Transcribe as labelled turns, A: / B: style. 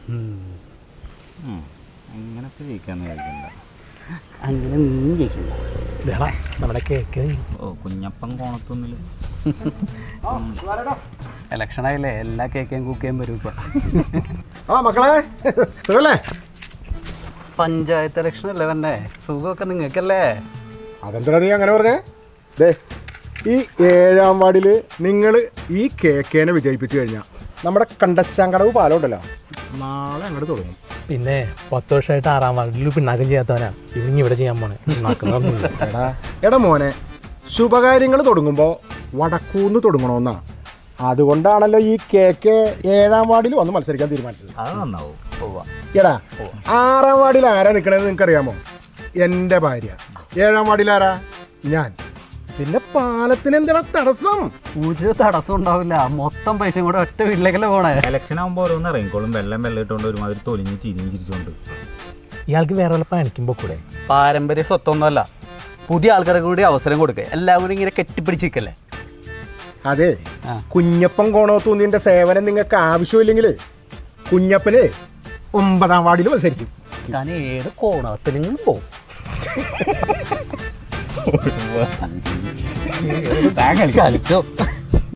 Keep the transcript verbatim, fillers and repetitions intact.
A: അങ്ങനൊക്കെ ജയിക്കാന്ന് വിചാരിക്കണ്ട.
B: അങ്ങനെ നീ ജയിക്കണ്ട.
C: നമ്മുടെ കേക്ക്
A: ഓ കുഞ്ഞപ്പൻ കോണത്തൊന്നില്
B: ഇലക്ഷനായില്ലേ, എല്ലാ കേക്കേം കുക്കേം വരും ഇപ്പൊ.
C: ആ മക്കളെ സുഖല്ലേ?
B: പഞ്ചായത്ത് ഇലക്ഷൻ അല്ലേ വന്നെ, സുഖമൊക്കെ നിങ്ങൾക്കല്ലേ?
C: അതെന്താ നീ അങ്ങനെ പറഞ്ഞേ? ദേ ഈ ഏഴാം വാർഡിൽ നിങ്ങൾ ഈ കേക്കേനെ വിജയിപ്പിച്ചു കഴിഞ്ഞാൽ നമ്മുടെ കണ്ടശാങ്കടവ് പാലം ഉണ്ടല്ലോ, നാളെ അങ്ങോട്ട് തുടങ്ങും.
D: പിന്നെ പത്ത് വർഷമായിട്ട് ആറാം വാർഡിൽ പിന്നാക്കം ചെയ്യാത്തവനാ ഇവങ്ങി ഇവിടെ ചെയ്യാൻ പോണേ.
C: എടാ എടാ മോനെ, ശുഭകാര്യങ്ങൾ തുടങ്ങുമ്പോൾ വടക്കൂന്ന് തുടങ്ങണമെന്നാ. അതുകൊണ്ടാണല്ലോ ഈ കേക്ക് ഏഴാം വാർഡിൽ വന്ന് മത്സരിക്കാൻ തീരുമാനിച്ചത്.
A: അത് നന്നാവും.
C: എടാ ആറാം വാർഡിൽ ആരാ നിൽക്കണത് നിങ്ങൾക്ക് അറിയാമോ? എൻ്റെ ഭാര്യ. ഏഴാം വാർഡിൽ ആരാ? ഞാൻ. പിന്നെ പാലത്തിന് എന്താണ് തടസ്സം?
B: ഒരു തടസ്സം ഉണ്ടാവില്ല, മൊത്തം പൈസയും കൂടെ ഒറ്റ വീട്ടിലേക്കല്ലേ പോണേ.
A: ഇലക്ഷൻ ആകുമ്പോൾ ഓരോന്ന് ഇറങ്ങിക്കോളും, വെള്ളം വെള്ളം ഇട്ടുകൊണ്ട് ഒരുമാതിരി തൊലിഞ്ഞ് ചിരിയും ചിരിച്ചോണ്ട്.
D: ഇയാൾക്ക് വേറെ വല്ല പണിക്കുമ്പോ കൂടെ.
B: പാരമ്പര്യ സ്വത്തൊന്നുമല്ല, പുതിയ ആൾക്കാർക്ക് കൂടി അവസരം കൊടുക്കുക. എല്ലാവരും കൂടി ഇങ്ങനെ കെട്ടിപ്പിടിച്ചിരിക്കല്ലേ.
C: അതെ, കുഞ്ഞപ്പൻ കോണത്തൂന്നിന്റെ സേവനം നിങ്ങൾക്ക് ആവശ്യമില്ലെങ്കിൽ കുഞ്ഞപ്പന് ഒമ്പതാം വാർഡിൽ മത്സരിക്കും.
B: ഞാൻ ഏത് കോണത്തിലും പോകും. കളിച്ചോ.